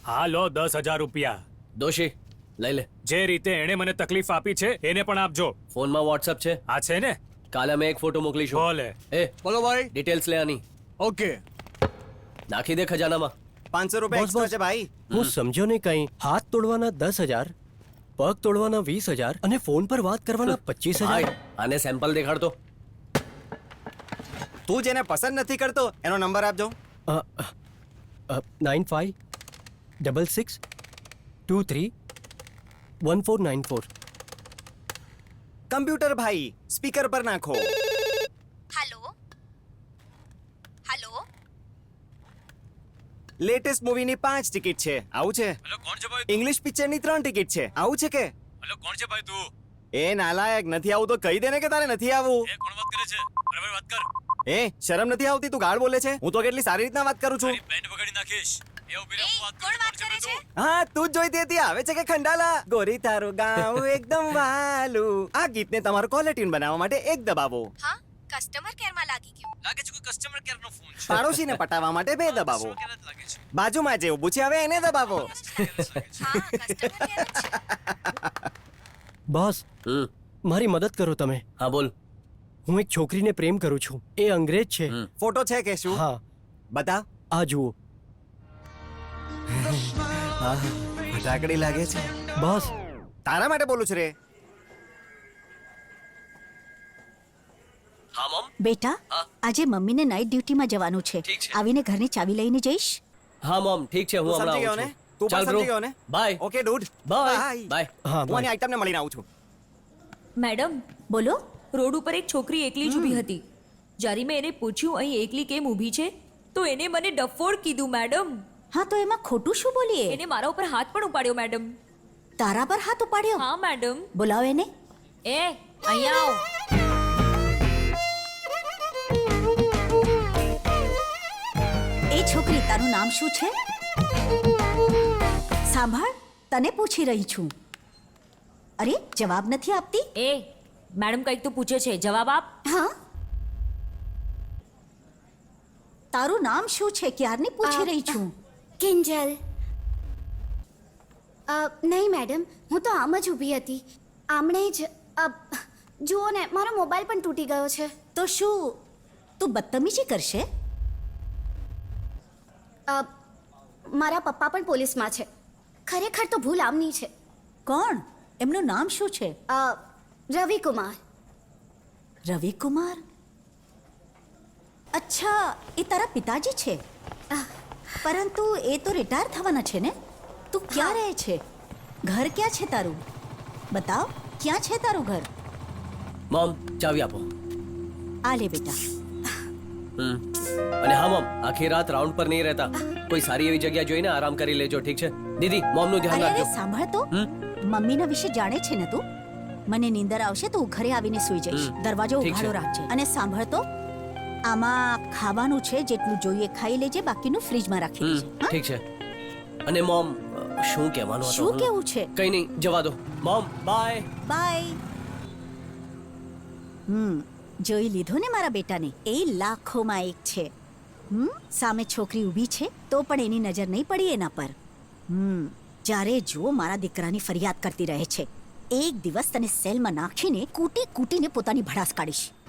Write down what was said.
આ લો 10,000 રૂપિયા. દોશી લઈ લે. જે રીતે એણે મને તકલીફ આપી છે એને પણ આપજો. ફોનમાં વોટ્સએપ છે? આ છે ને? કાલે અમે એક ફોટો મોકલીશું. બોલે. એ બોલો ભાઈ. ડિટેલ્સ લે આની. ઓકે. નાખી દે ખજાનામાં. 500 રૂપિયા એક્સ્ટ્રા છે ભાઈ. હું સમજ્યો નહીં કઈ. હાથ તોડવાના 10,000, પગ તોડવાના 20,000 અને ફોન પર વાત કરવાના 25,000. ભાઈ આને સેમ્પલ દેખાડતો. તું જેને પસંદ નથી કરતો એનો નંબર આપજો. 9566231494. કમ્પ્યુટર ભાઈ સ્પીકર પર નાખો. હેલો હેલો લેટેસ્ટ મૂવીની 5 ટિકિટ છે. આવું છે? હેલો કોણ છે ભાઈ? ઇંગ્લિશ પિક્ચરની 3 ટિકિટ છે. આવું છે કે? હેલો કોણ છે ભાઈ તું? એ નાલાયક, નથી આવું તો કહી દે ને કે તારે નથી આવવું. એ કોણ વાત કરે છે? બરાબર વાત કર. એ શરમ નથી આવતી? તું ગાળ બોલે છે. હું તો કેટલી સારી રીતના વાત કરું છું. તારી બેન્ડ વગાડી નાખીશ. એ ઉભી રહે, હું વાત કોણ કરું. વાત કરે છે? હા, તું જ જોઈતી હતી. આવે છે કે ખંડાલા? ગોરી તારું ગાવું એકદમ વાલું. આ ગીતને તમારું કોલર ટ્યુન બનાવવા માટે એક દબાવો. હા કસ્ટમર કેર માં લાગી ગયું. લાગે છે કોઈ કસ્ટમર કેર નો ફોન છે. પાડોશીને પટાવવા માટે 2 દબાવો. કસ્ટમર કેર જ લાગે છે. બાજુમાં જે ઊભું છે હવે એને દબાવો. હા કસ્ટમર કેર જ છે. બોસ, મારી મદદ કરો તમે. હા બોલ. હું એક છોકરીને પ્રેમ કરું છું. એ અંગ્રેજ છે. ફોટો છે કે શું? હા, બતાવ. આ જુઓ. હા, ફટાકડી લાગે છે. બોસ, તારા માટે બોલું છું રે. હા મમ. બેટા, આજે મમ્મીને નાઇટ ડ્યુટીમાં જવાનું છે. ઠીક છે. આવીને ઘરની ચાવી લઈને જઈશ. હા મમ ઠીક છે, હું તું સમજી ગયો હમણાં ને? આવું તું છું. પણ સમજી ગયો ને? Bye. Okay dude. Bye bye. હા, હું આની આઈટમને મળીને આવું છું. મેડમ, બોલો. રોડ ઉપર એક છોકરી એકલી જ ઊભી હતી. જ્યારે મેં એને પૂછ્યું અહીં એકલી કેમ ઊભી છે, તો એને મને ડફોડ કીધું મેડમ. હા, તો એમાં ખોટું શું બોલીએ? એને મારા ઉપર હાથ પણ ઉપાડ્યો મેડમ. તારા પર હાથ ઉપાડ્યો? હા મેડમ. બોલાવો એને. એ અહીંયા આવો. એ છોકરી, તારું નામ શું છે? સાંભળ, તને પૂછી રહી છું. અરે, જવાબ નથી આપતી. એ મેડમ કંઈક તો પૂછે છે, જવાબ આપ. હા, તારું નામ શું છે? ક્યારની પૂછી રહી છું. કિંજલ. નહીં મેડમ, હું તો આમ જ ઊભી હતી. આમણે જ જુઓ ને, મારો મોબાઈલ પણ તૂટી ગયો છે. તો શું તું બદતમીજી કરશે? મારા પપ્પા પણ પોલીસમાં છે. ખરેખર તો ભૂલ આમની છે. કોણ? એમનું નામ શું છે? રવિકુમાર. રવિકુમાર? અચ્છા, એ તારા પિતાજી છે. પરંતુ એ તો રિટાયર થવાના છે ને? તું ક્યાં રહે છે? ઘર ક્યાં છે તારું? બતાવ, ક્યાં છે તારું ઘર? મમ ચાવી આપો. આ લે બેટા. અને હા મમ, આખી રાત રાઉન્ડ પર નહીં રહેતા. કોઈ સારી એવી જગ્યા જોઈને આરામ કરી લેજો, ઠીક છે? દીદી, મોમનું ધ્યાન અરે અરે, રાખજો. સાંભળ તો. મમ્મીના વિશે જાણે છે ને તું? મને નીંદર આવશે તો હું ઘરે આવીને સૂઈ જઈશ. દરવાજો ઠીક છે. ઉઘાડો રાખજે. અને સાંભળ તો, આમાં ખાવાનું છે, જેટલું જોઈએ ખાઈ લેજે, બાકીનું ફ્રીજમાં રાખી દેજે. હા? ઠીક છે. અને મોમ, શું કહેવાનું હતું? શું કેવું છે? કઈ નહીં, જવા દો. Mom bye. બાય. જોઈ લીધો ને મારા બેટાને? એ લાખોમાં એક છે. સામે છોકરી ઊભી છે તો પણ એની નજર નહીં પડી એના પર. જ્યારે જો મારા દીકરાની ફરિયાદ કરતી રહે છે. એક દિવસ તને સેલમાં નાખીને કૂટીને પોતાની ભડાસ કાઢીશ.